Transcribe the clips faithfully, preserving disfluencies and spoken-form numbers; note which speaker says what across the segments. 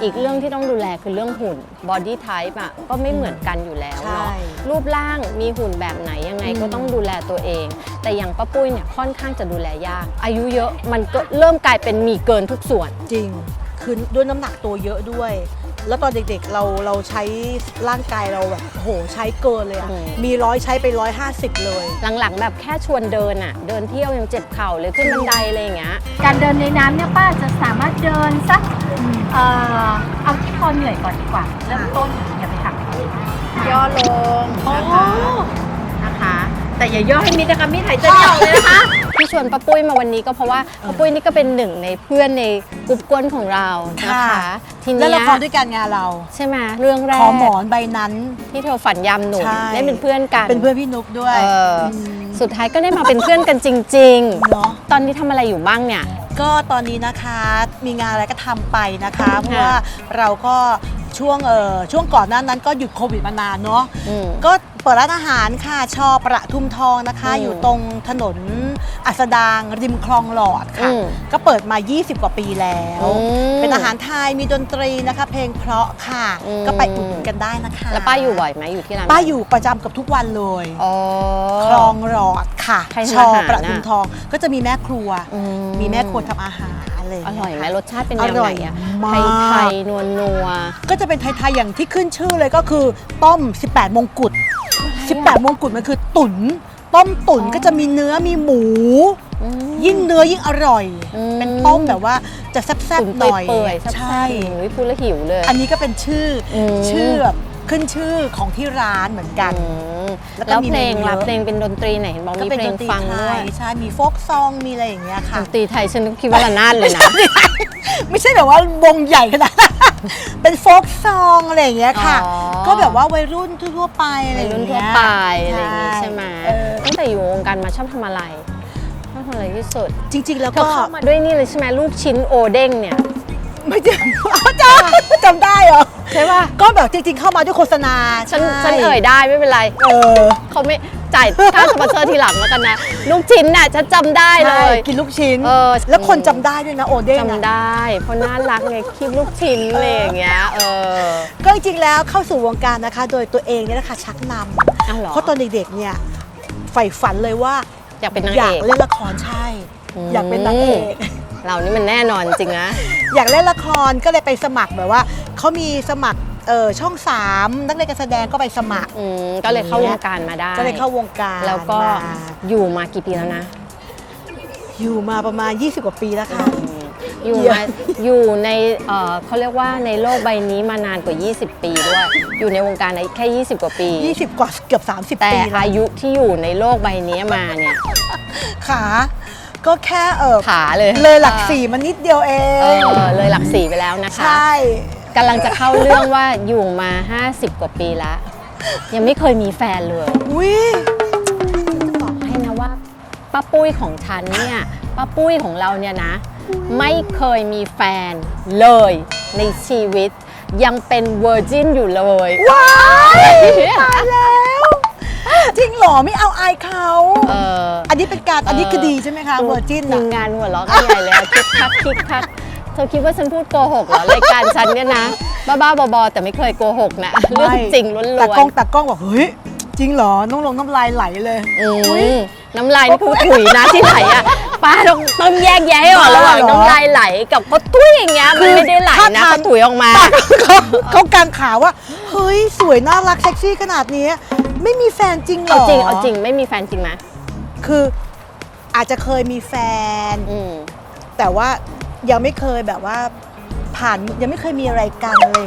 Speaker 1: อีกเรื่องที่ต้องดูแลคือเรื่องหุ่น body type อ่ะก็ไม่เหมือนกันอยู่แล้วเนาะรูปร่างมีหุ่นแบบไหนยังไงก็ต้องดูแลตัวเองแต่อย่างป้าปุ้ยเนี่ยค่อนข้างจะดูแลยากอายุเยอะมันก็เริ่มกลายเป็นมีเกินทุกส่วน
Speaker 2: จริงคือด้วยน้ำหนักตัวเยอะด้วยแล้วตอนเด็กๆเราเราใช้ร่างกายเราแบบโหใช้เกินเลยอะมีร้อยใช้ไปร้อยห้าสิบเลย
Speaker 1: หลังๆแบบแค่ชวนเดินอะเดินเที่ยวยังเจ็บเข่าเลยขึ้นบันไดอะไรอย่างเงี้ย
Speaker 3: การเดินในน้ำเนี่ยป้าจะสามารถเดินสักเอ่อเอาที่พอเหนื่อยก่อนดีกว่าเริ่มต้นอย่าไปหัก
Speaker 1: ย่อลงนะคะนะคะแต่อย่าย่อให้มิดนะคะมิดหายใจไม่ออกเลยนะคะที่ชวนป้าปุ้ยมาวันนี้ก็เพราะว่าป้าปุ้ยนี่ก็เป็นหนึ่งในเพื่อนในกลุ่มก้นของเรานะคะ
Speaker 2: ทีนี้แล้วละครด้วยกันงานเรา
Speaker 1: ใช่ไหมเรื่องแรก
Speaker 2: ขอหมอนใบนั้น
Speaker 1: ที่เธอฝันยำหนุ่มได้เป็นเพื่อนกัน
Speaker 2: เป็นเพื่อนพี่นุ๊กด้วย
Speaker 1: สุดท้ายก็ได้มาเป็นเพื่อนกันจริงๆเนาะตอนนี้ทำอะไรอยู่บ้างเนี่ย
Speaker 2: ก็ตอนนี้นะคะมีงานอะไรก็ทำไปนะคะเพราะว่าเราก็ช่วงเออช่วงก่อนหน้านั้นก็หยุดโควิดมานานเนาะก็เปิดร้านอาหารค่ะชอประทุมทองนะคะอยู่ตรงถนนอัสดางริมคลองหลอดค่ะก็เปิดมายี่สิบกว่าปีแล้วเป็นอาหารไทยมีดนตรีนะคะเพลงเพราะค่ะก็ไปอุดหนุนกันได้นะคะ
Speaker 1: แล้วป้าอยู่บ่อยไหมอยู่ที่ร้าน
Speaker 2: ป้าอยู่ประจำกับทุกวันเลยคลองหลอดค่ะชอประทุมทองก็จะมีแม่ครัวมีแม่ครัวทำอาหาร
Speaker 1: อร่อยไหมรสชาติเป็นยังไงอะไทยไทยนัวนัว
Speaker 2: ก็จะเป็นไทยๆอย่างที่ขึ้นชื่อเลยก็คือต้มสิบแปดมงกุฎสิบแปดมงกุฎมันคือตุ๋นต้มตุ๋นก็จะมีเนื้อมีหมูยิ่งเนื้อยิ่งอร่อยเป็นต้มแบบว่าจะแซ่บๆหน่อย
Speaker 1: ใช่พูดแล้วหิวเลย
Speaker 2: อันนี้ก็เป็นชื่อชื่อแบบขึ้นชื่อของที่ร้านเหมือนกัน
Speaker 1: แล้วเพลงล่ะเพลงเป็นดนตรีไหนเห็นบอกมีเพลงฟังด้วย
Speaker 2: ใช่มีโฟกซองมีอะไรอย่างเงี้ยค่ะ
Speaker 1: ดนตรีไทยฉันคิดว่าระนาดเลยนะ
Speaker 2: ไม่ใช่แบบว่าวงใหญ่ขนาดเป็นโฟกซองอะไรอย่างเงี้ยค่ะก็แบบว่าวัยรุ่นทั่วไปอะไรอย่างเงี้ย
Speaker 1: ทั่วไปอะไรอย่างงี้ใช่ไหมตั้งแต่อยู่วงการมาชอบทำอะไรชอบทำอะไรที่สุด
Speaker 2: จริงๆแล้ว
Speaker 1: ก็เข้ามาด้วยนี่เลยใช่ไหมลูกชิ้นโอเด้งเนี่ย
Speaker 2: ไม่จำจำจำได้เหรอ
Speaker 1: ใช่ป่ะ
Speaker 2: ก็แบบจริงๆเข้ามาด้วยโฆษณา
Speaker 1: ฉันฉันเอ่ยได้ไม่เป็นไรเออเขาไม่จ่ายค่าสปอนเซอร์ทีหลังแล้วกันนะลูกชิ้นน่ะฉันจำได้เลย
Speaker 2: กินลูกชิ้นเออแล้วคนจำได้ด้วยนะโอเด้ง
Speaker 1: จำได้เพราะน่ารักไงคิดลูกชิ้นอะไรอย่างเงี้ยเออ
Speaker 2: ก็จริงๆแล้วเข้าสู่วงการนะคะโดยตัวเองเนี่ยนะคะชักนำเพราะตอนเด็กๆเนี่ยใฝ่ฝันเลยว่า
Speaker 1: อยากเป็นนางเอก
Speaker 2: อยากเล่นละครใช่อยากเป็นนางเอก
Speaker 1: เรานี่มันแน่นอนจริงนะ
Speaker 2: อยากเล่นละครก็เลยไปสมัครแบบว่าเขามีสมัครเออช่องสามนักเรียนการแสดงก็ไปสมัคร
Speaker 1: ก็เลยเข้าวงการมาได้
Speaker 2: ก็เลยเข้าวงการ
Speaker 1: แล้วก็อยู่มากี่ปีแล้วนะ
Speaker 2: อยู่มาประมาณยี่สิบกว่าปีแล้วค่ะ
Speaker 1: อยู่มาอยู่ในเขาเรียกว่าในโลกใบนี้มานานกว่ายี่สิบปีด้วยอยู่ในวงการแค่ยี่สิบกว่าปี
Speaker 2: ยี่สิบกว่าเกือบสามสิบ
Speaker 1: ปีแต่อายุที่อยู่ในโลกใบนี้มาเนี่ย
Speaker 2: ขาก็แค่เออ
Speaker 1: ขาเลย
Speaker 2: เลยหลักสี่มันนิดเดียวเองเอ
Speaker 1: อเลยหลักสี่ไปแล้วนะคะใช่กำลังจะเข้าเรื่องว่าอยู่มาห้าสิบกว่าปีแล้วยังไม่เคยมีแฟนเลย
Speaker 2: อุ้ย
Speaker 1: จะบอกให้นะว่าป้าปุ้ยของฉันเนี่ยป้าปุ้ยของเราเนี่ยนะไม่เคยมีแฟนเลยในชีวิตยังเป็นเวอร์จินอยู่เลย
Speaker 2: ว้ายตายแล้วจริงหรอไม่เอาอายเขาเอออันนี้เป็นการอันนี้คือดีใช่ไหมคะเวอร์จิน
Speaker 1: ทีมงานหัวเราะกันใหญ่เลยคิกคักคิกคักเธอคิดว่าฉันพูดโกหกเหรอรายการฉันเนี่ยนะบ้าๆบอๆแต่ไม่เคยโกหกนะเรื่องจริงล้วนๆ
Speaker 2: แต่กล้องแต่กล้องบอกเฮ้ยจริงเหรอน้องลงน้ำลายไหลเลย
Speaker 1: น้ำลายนี่คือถุยนะที่ไหลอ่ะป้าต้องต้องแยกแยะให้ออกระหว่างน้ำลายไหลกับเขาตุ้ยอย่างเงี้ยมันไม่ได้ไหลนะเขาถุยออกมา
Speaker 2: เขากางขาว่าเฮ้ยสวยน่ารักเซ็กซี่ขนาดนี้ไม่มีแฟนจริงเหรอ
Speaker 1: เอาจริงเอาจริงไม่มีแฟนจริงไหม
Speaker 2: คืออาจจะเคยมีแฟนแต่ว่ายังไม่เคยแบบว่าผ่านยังไม่เคยมีอะไรกันเลย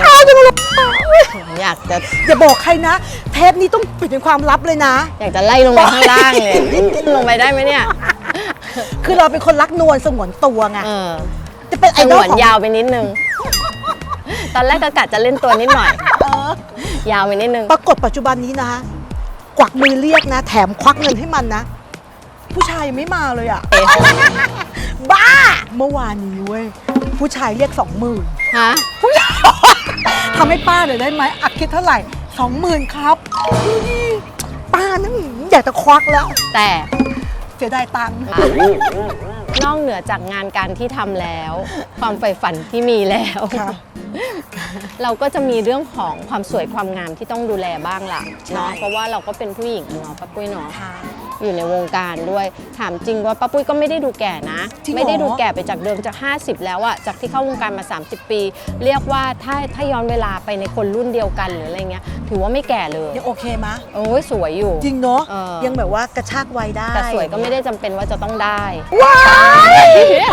Speaker 1: อยากจะ
Speaker 2: อย่าบอกใครนะเทปนี้ต้องปิดเป็นความลับเลยนะ
Speaker 1: อยากจะไล่ลงไปข้างล่างเลยลงไปได้ไหมเนี่ย
Speaker 2: คือเราเป็นคนรักนวลสงวนตัวไง
Speaker 1: จะเป็นไอดอลของยาวไปนิดนึงตอนแรกก็กะจะเล่นตัวนิดหน่อยยาวไปนิดนึง
Speaker 2: ปรากฏปัจจุบันนี้นะกวักมือเรียกนะแถมควักเงินให้มันนะผู้ชายยังไม่มาเลยอ่ะบ้าเมื่อวานนี้เว้ยผู้ชายเรียกสองหมื่น
Speaker 1: ฮะ
Speaker 2: ทำให้ป้าหน่อยได้ไหมอัดคิดเท่าไหร่สองหมื่นครับป้านั่นอยากจะควักแล้ว
Speaker 1: แต่
Speaker 2: เสียดายตังค์
Speaker 1: นอกเหนือจากงานการที่ทำแล้ว ความใฝ่ฝันที่มีแล้ว
Speaker 2: ค่ะ
Speaker 1: เราก็จะมีเรื่องของความสวยความงามที่ต้องดูแลบ้างล่ะ
Speaker 2: ใช่
Speaker 1: เนาะเพราะว่าเราก็เป็นผู้หญิงเนาะป้าปุ้ยเนาะ
Speaker 2: ค่ะ
Speaker 1: อยู่ในวงการด้วยถามจริงว่าป้าปุ้ยก็ไม่ได้ดูแก่นะ
Speaker 2: จริงเหรอ
Speaker 1: ไม่ได้ดูแก่ไปจากเดิมจากห้าสิบแล้วอะจากที่เข้าวงการมาสามสิบปี เรียกว่าถ้าถ้าย้อนเวลาไปในคนรุ่นเดียวกันหรืออะไรเงี้ยถือว่าไม่แก่เลย
Speaker 2: ยังโอเคมะ
Speaker 1: โอ้ยสวยอยู่
Speaker 2: จริงเนาะ
Speaker 1: เออ
Speaker 2: ยังแบบว่ากระชากวัยได้
Speaker 1: แต่สวยก็ไม่ได้จำเป็นว่าจะต้องได้
Speaker 2: ว้าย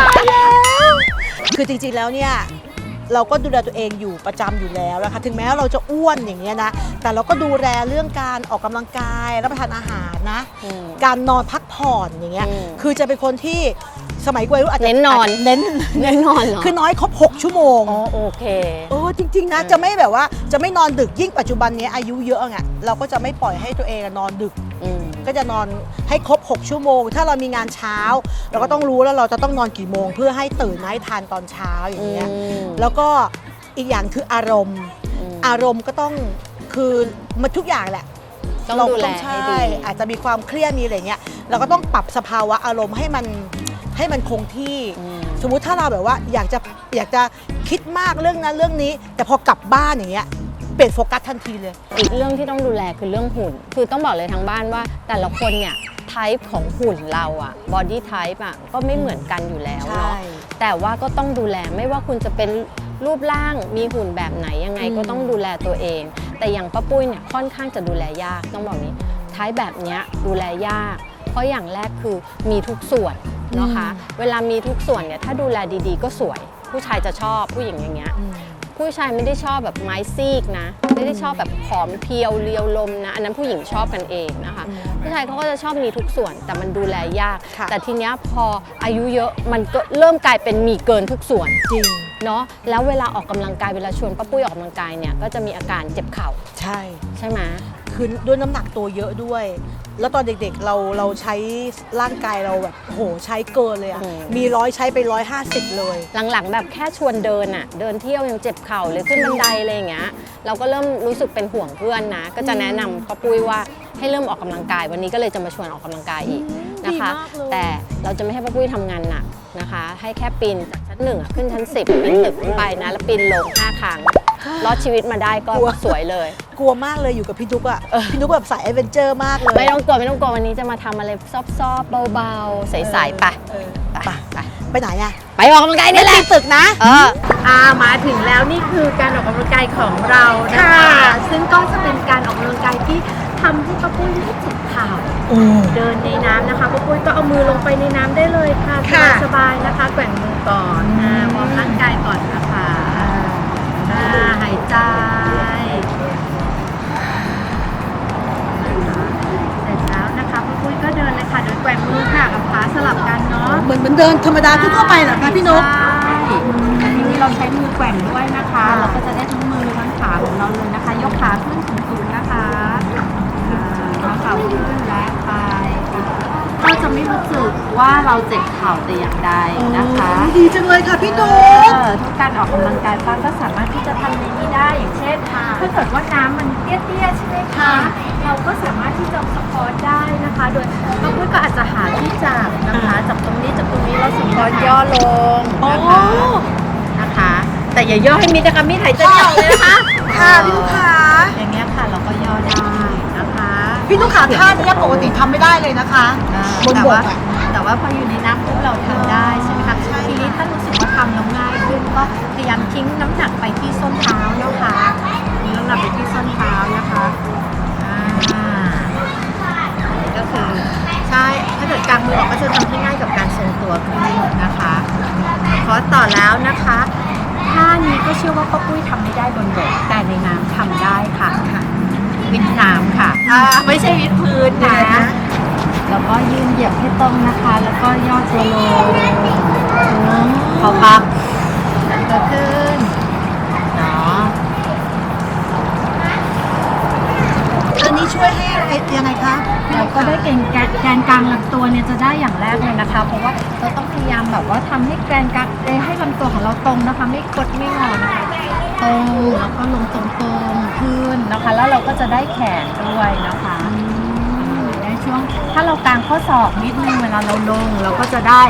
Speaker 2: คือจริงๆแล้วเนี่ยเราก็ดูแลตัวเองอยู่ประจำอยู่แล้วนะคะถึงแม้ว่าเราจะอ้วนอย่างเงี้ยนะแต่เราก็ดูแลเรื่องการออกกำลังกายรับประทานอาหารนะ
Speaker 1: อืม
Speaker 2: การนอนพักผ่อนอย่างเงี้ย
Speaker 1: อืม
Speaker 2: คือจะเป็นคนที่สมัยวัยรุ่นอาจจะ
Speaker 1: เน้นนอน
Speaker 2: าจจะเน้น
Speaker 1: แน่นอนเหรอ
Speaker 2: คือน้อยครบหกชั่วโมง
Speaker 1: อ๋อโอเค
Speaker 2: เออจริงๆนะจะไม่แบบว่าจะไม่นอนดึกยิ่งปัจจุบันนี้อายุเยอะไงเราก็จะไม่ปล่อยให้ตัวเองนอนดึก
Speaker 1: อืม
Speaker 2: ก็จะนอนให้ครบหกชั่วโมง ถ้าเรามีงานเช้า เราก็ต้องรู้แล้วเราจะต้องนอนกี่โมง เพื่อให้ตื่นมาให้ทานตอนเช้าอย่างเงี้ย
Speaker 1: อืม
Speaker 2: แล้วก็อีกอย่างคืออารมณ์
Speaker 1: อืม
Speaker 2: อารมณ์ก็ต้องคือมันทุกอย่างแหละ
Speaker 1: ต้อง
Speaker 2: เรา
Speaker 1: ดู
Speaker 2: ก็
Speaker 1: แล
Speaker 2: ต้อง
Speaker 1: ให้
Speaker 2: ใช่
Speaker 1: ดี
Speaker 2: อาจจะมีความเครียดมีอะไรเงี้ยเราก็ต้องปรับสภาวะอารมณ์ให้มันให้มันคงที่
Speaker 1: อืม
Speaker 2: สมมุติถ้าเราแบบว่าอยากจะอยากจะคิดมากเรื่องนั้นเรื่องนี้ แต่พอกลับบ้านอย่างเงี้ยเปลี่ยนโฟกัสทันทีเลย
Speaker 1: อีกเรื่องที่ต้องดูแลคือเรื่องหุ่น คือต้องบอกเลยทางบ้านว่าแต่ละคนเนี่ยไทป์ของหุ่นเราอะบอดี้ไทป์อะก็ไม่เหมือนกันอยู่แล้วเนาะ
Speaker 2: ใช่
Speaker 1: แต่ว่าก็ต้องดูแลไม่ว่าคุณจะเป็นรูปร่างมีหุ่นแบบไหนยังไง
Speaker 2: อืม
Speaker 1: ก็ต้องดูแลตัวเอง แต่อย่างป้าปุ้ยเนี่ยค่อนข้างจะดูแลยากต้องบอกนี้ไทป์แบบเนี้ยดูแลยาก เพราะอย่างแรกคือมีทุกส่วนนะคะ เวลามีทุกส่วนเนี่ยถ้าดูแลดีๆ ก็สวย ผู้ชายจะชอบผู้หญิงอย่างเงี้ย
Speaker 2: อืม
Speaker 1: ผู้ชายไม่ได้ชอบแบบไม้ซีกนะ ไม่ได้ชอบแบบผอมเพรียวเรียวลมนะอันนั้นผู้หญิงชอบกันเองนะคะ
Speaker 2: อืม
Speaker 1: ผู้ชายเขาก็จะชอบมีทุกส่วนแต่มันดูแลยาก
Speaker 2: ค่ะ
Speaker 1: แต่ทีเนี้ยพออายุเยอะมันก็เริ่มกลายเป็นมีเกินทุกส่วน
Speaker 2: จริง
Speaker 1: เนาะแล้วเวลาออกกำลังกายเวลาชวนป้าปุ้ยออกกำลังกายเนี่ยก็จะมีอาการเจ็บเข่า
Speaker 2: ใช่
Speaker 1: ใช่ไหม
Speaker 2: คือด้วยน้ำหนักตัวเยอะด้วย แล้วตอนเด็กๆเราเราใช้ร่างกายเราแบบโหใช้เกินเลยอะมีร้อยใช้ไปร้อยห้าสิบเลย
Speaker 1: หลังๆแบบแค่ชวนเดินอะเดินเที่ยวยังเจ็บเข่าเลยขึ้นบันไดอะไรอย่างเงี้ยเราก็เริ่มรู้สึกเป็นห่วงเพื่อนนะก็จะแนะนำป้าปุ้ยว่าให้เริ่มออกกำลังกายวันนี้ก็เลยจะมาชวนออกกำลังกายอีกนะคะ
Speaker 2: ดีมากเลย
Speaker 1: แต่เราจะไม่ให้ป้าปุ้ยทำงานหนักนะคะ ให้แค่ปีนจากชั้นหนึ่งอะขึ้นชั้นสิบปีนตึกขึ้นไปนะแล้วปีนลงห้าครั้งรอดชีวิตมาได้ก็สวยเลย
Speaker 2: กลัวมากเลยอยู่กับพี่นุกอะพี่นุกแบบสายแอดเวนเจอร์มากเลย
Speaker 1: ไม่ต้องกลัวไม่ต้องกลัววันนี้จะมาทำอะไรซอบๆเบาๆใสๆไป
Speaker 2: เออ
Speaker 1: ไป
Speaker 2: ไป
Speaker 1: ไป
Speaker 2: ไปไหนอะ
Speaker 1: ไปออกกำลังกายนี่แหละ
Speaker 2: ตึกนะ
Speaker 1: เออ
Speaker 3: อ่ามาถึงแล้วนี่คือการออกกำลังกายของเรานะคะ
Speaker 2: ค่ะ
Speaker 3: ซึ่งก็จะเป็นการออกกำลังกายที่ทำให้ป้าปุ้ยไม่เจ็บเข่า
Speaker 2: โอ้
Speaker 3: เดินในน้ำนะคะป้าปุ้ยก็เอามือลงไปในน้ำได้เลยค่ะ
Speaker 2: ค่ะ
Speaker 3: สบายๆนะคะ แกว่งมือก่อนอ่าวอร์มร่างกายก่อนนะคะอ่าหายใจเสร็จแล้วนะคะป้าปุ้ยก็เดินเลยค่ะเดินแกว่งมือค่ะกับขาสลับกันเนาะ
Speaker 2: เหมือนเหมือนเดินธรรมดาทั่วๆไปเหรอคะพี่นุก
Speaker 3: ใช่แต่ทีนี้เราใช้มือแกว่งด้วยนะคะ เราก็จะได้ทั้งมือทั้งขาของเราเลยนะคะ ยกขาขึ้นสูงๆนะคะอ่าเท้าเข่าขึ้นและไปก็จะไม่รู้สึกว่าเราเจ็บเข่าแต่อย่างใดนะคะ
Speaker 2: ดีจังเลยค่ะพี่นุ
Speaker 3: เอก อทุกการออกกำลังกายป้าก็สามารถที่จะทำในนี้ได้อย่างเช่น ถ้าเกิดว่าน้ำมันเตี้ยๆใช่ไหมคะ เราก็สามารถที่จะสปอร์ตได้นะคะ โดยป้าปุ้ยก็อาจจะหาที่จับนะคะจับตรงนี้จับตรงนี้แล้วสปอร์ตย่อลงนะคะนะคะ แต่อย่าย่อให้มิดนะคะมิดหายใจไม่ออกเลยนะคะ
Speaker 2: ค่ะพี่นุกขา
Speaker 3: อย่างเงี้ยค่ะเราก็ย่อได้นะคะ
Speaker 2: พี่นุกขาท่านี้ปกติทำไม่ได้เลยนะคะบน
Speaker 3: แต่
Speaker 2: บก
Speaker 3: ว่า
Speaker 2: อะ
Speaker 3: แต่ว่าพออยู่ในน้ำปุ๊บเราทำได้ใช่ไหมคะทีนี้ถ้ารู้สึกว่าทำแล้วง่ายขึ้นก็พยายามทิ้งน้ำหนักไปที่ส้นเท้านะคะทิ้งน้ำหนักไปที่ส้นเท้านะคะอ่าอันนี้ก็คือใช่ถ้าเกิดกางมือออกก็จะทำให้ง่ายกับการทรงตัวขึ้นนะคะขอต่อแล้วนะคะท่านี้ก็เชื่อว่าป้าปุ้ยทำไม่ได้บนบกแต่ในน้ำทำได้ค่ะวิดน้ำค่ะอ่าไม่ใช่วิดพื้นนะ แล้วก็ยืนเหยียบให้ตรงนะคะ แล้วก็ย่อตัวลงเขาพับแล้วก็ขึ้นเนาะ
Speaker 2: อันนี้ช่วยให้อะไรยังไงคะ
Speaker 3: เราก็ได้แกนแกนแกนกลางลำตัวเนี่ยจะได้อย่างแรกเลยนะคะ เพราะว่าเราต้องพยายามแบบว่าทำให้แกนกลางเอ้ยให้ลำตัวของเราตรงนะคะ ไม่คดไม่งอนะคะตรงแล้วก็ลงตรงๆขึ้นนะคะ แล้วเราก็จะได้แขนด้วยนะคะในช่วงถ้าเรากางข้อศอกนิดนึงเวลาเราลง เราก็จะได้ช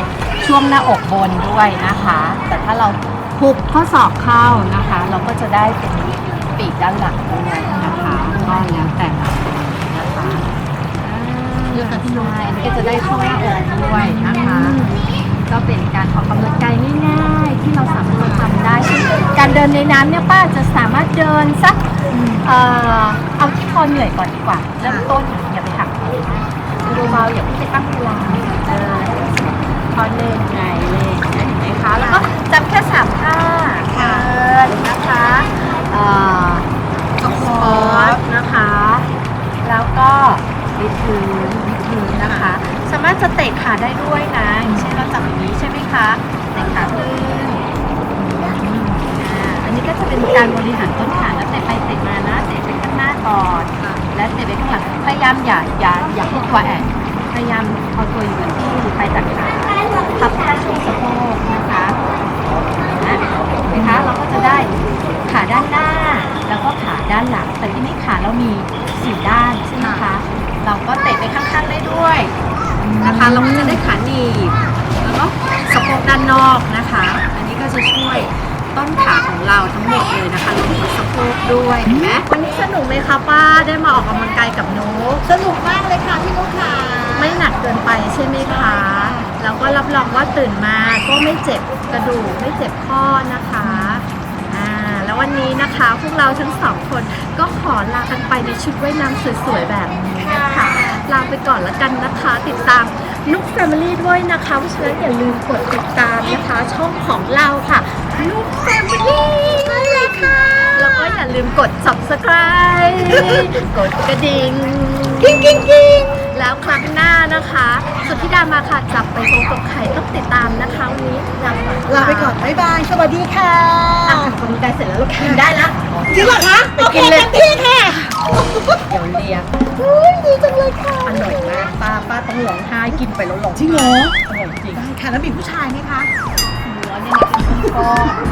Speaker 3: ช่วงหน้าอกบนด้วยนะคะ แต่ถ้าเราหุบข้อศอกเข้านะคะ เราก็จะได้เป็นปีกด้านหลังด้วยนะคะก็แล้วแต่เรานะคะเลือกกันที่น้อยก็จะได้ช่วงหน้าอกด้วยนะคะ ก็เป็นการออกกำลังกายง่ายๆที่เราสามารถจะทำได้เช่นการเดินในน้ำเนี่ยป้าจะสามารถเดินสักเอ่อเอาที่พอเหนื่อยก่อนดีกว่าเริ่มต้นอย่าไปหักเลยดูเบาอย่าเพิ่งไปตั้งเวลาเดินพอเล่นไงเล่นเห็นไหมคะแล้วก็จำแค่สามท่าเดินนะคะเอ่อสควอตนะคะแล้วก็วิดพื้นวิดพื้นนะคะ สามารถจะเตะขาได้ด้วยนะอย่างเช่นเราจับอย่างนี้ใช่ไหมคะเตะขาขึ้นอ่าอันนี้ก็จะเป็นการบริหารต้นขาแล้วเตะไปเตะมานะเตะไปข้างหน้าก่อนและเตะไปข้างหลังพยายามอย่าอย่าอย่าให้ตัวแอนพยายามเอาตัวอยู่กับที่ไปจากขาทับแค่ช่วงสะโพกนะคะนะเห็นไหมคะเราก็จะได้ขาด้านหน้าแล้วก็ขาด้านหลังแต่ที่นี้ขาเรามีสี่ด้านใช่ไหมคะเราก็เตะไปข้างๆได้ด้วยนะคะเราก็จะได้ขาหนีบแล้วก็สะโพกด้านนอกนะคะ อันนี้ก็จะช่วยต้นขาของเราทั้งหมดเลยนะคะรวมถึงสะโพกด้วยเห็นไหมวันนี้สนุกไหมคะป้าได้มาออกกำลังกายกับนุ๊ก
Speaker 2: สนุกมากเลยค่ะพี่นุ๊กค่ะ
Speaker 3: ไม่หนักเกินไปใช่ไหมคะแล้วก็รับรองว่าตื่นมาก็ไม่เจ็บกระดูกไม่เจ็บข้อนะคะอ่าแล้ววันนี้นะคะพวกเราทั้งสองคนก็ขอลากันไปในชุดว่ายน้ำสวยๆแบบนี้นะคะลาไปก่อนละกันนะคะ ติดตามนุ๊กแฟมิลี่ด้วยนะคะเพราะฉะนั้นอย่าลืมกดติดตามนะคะช่องของเราค่ะนุ๊กแฟมิลี่เลยค่ะแล้วก็อย่าลืมกด ซับสไครบ์ กดกระดิ่งกิ้งกิ้งกิ้งแล้วครั้งหน้านะคะสุทธิดามาค่ะจับไปตรงกับไข่ต้องติดตามนะคะวันนี้ลาไปก่อน
Speaker 2: ลาไปก่อน บ๊ายบาย สวัสดีค่ะ
Speaker 3: อ่ะทำกำลังกายเสร็จแล้วเรากินได้ละ
Speaker 2: จริงเหรอคะ
Speaker 3: ไป
Speaker 2: โอเค
Speaker 3: กินเลย
Speaker 2: เต็มที่ค่ะ
Speaker 3: เดี๋ยวเรียก
Speaker 2: อุ๊ยดีจังเลยค่ะ
Speaker 3: อร่อยมากป้าป้าต้องร้องไห้กินไปแล้วร้องไห้
Speaker 2: จริงเหรอ
Speaker 3: อร่อยจริง
Speaker 2: ได้ค่ะ แล้วมีผู้ชายไหมคะ
Speaker 3: หัวเนี่ยนะก็